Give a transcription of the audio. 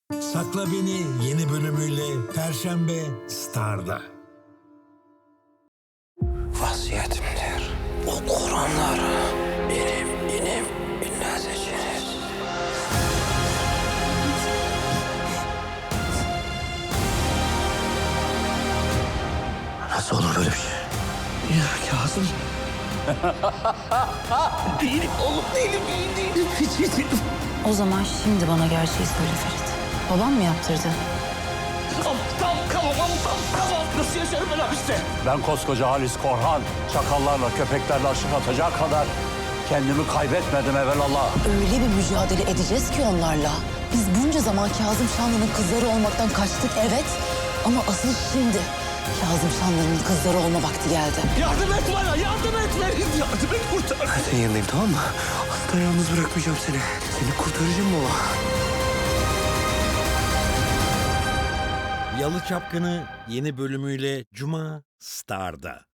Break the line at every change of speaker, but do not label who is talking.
Sakla Beni yeni bölümüyle Perşembe Star'da.
Vasiyetimdir. O Kur'anlar benim binlerceniz. Nasıl olur böyle bir şey? Ya Kazım. Değilim oğlum, değilim. Hiç değilim.
O zaman şimdi bana gerçeği söyle Ferit. Babam mı yaptırdı?
Tamam. Nasıl yaşarım ben hapiste?
Ben koskoca Halis Korhan, çakallarla, köpeklerle aşık atacak kadar kendimi kaybetmedim evelallah.
Öyle bir mücadele edeceğiz ki onlarla. Biz bunca zaman Kazım Şanlı'nın kızları olmaktan kaçtık evet. Ama asıl şimdi Kazım Şanlı'nın kızları olma vakti geldi.
Yardım et bana, yardım et beni. Yardım et, kurtar. Ben senin yanındayım, tamam mı? Asla yalnız bırakmayacağım seni. Seni kurtaracağım baba.
Yalı Çapkını yeni bölümüyle Cuma Star'da.